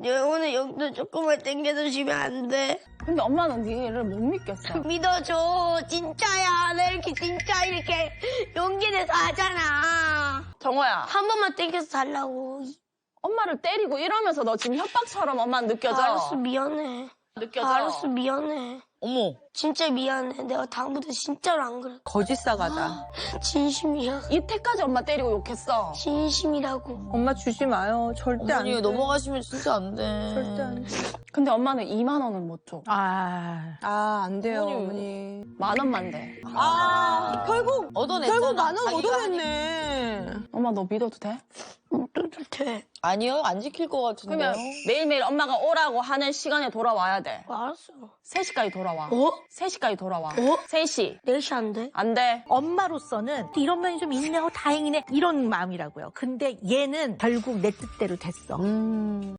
오늘 용돈 조금만 땡겨주시면 안 돼? 근데 엄마는 니를 못 믿겠어. 믿어줘. 진짜야. 나 이렇게 용기 내서 하잖아. 정호야, 한 번만 땡겨서 달라고. 엄마를 때리고 이러면서 너 지금 협박처럼 엄마 느껴져? 알았어, 미안해. 느껴져? 알았어, 미안해. 어머. 진짜 미안해. 내가 다음부터 진짜로 안 그래. 거짓 사과다. 진심이야. 이때까지 엄마 때리고 욕했어. 진심이라고. 엄마 주지 마요. 절대 안 어머니 돼. 넘어가시면 진짜 안 돼. 절대 안 돼. 근데 엄마는 2만 원은 못 줘. 안 돼요, 어머니. 10,000원만 돼. 결국 얻어냈잖아. 10,000원 자기가 얻어냈네. 엄마 너 믿어도 돼? 또도 돼. 아니요, 안 지킬 것 같은데요. 그러면 매일매일 엄마가 오라고 하는 시간에 돌아와야 돼. 알았어. 3시까지 돌아와. 어? 3시까지 돌아와. 어? 3시. 4시 안 돼? 안 돼. 엄마로서는 이런 면이 좀 있네, 다행이네 이런 마음이라고요. 근데 얘는 결국 내 뜻대로 됐어.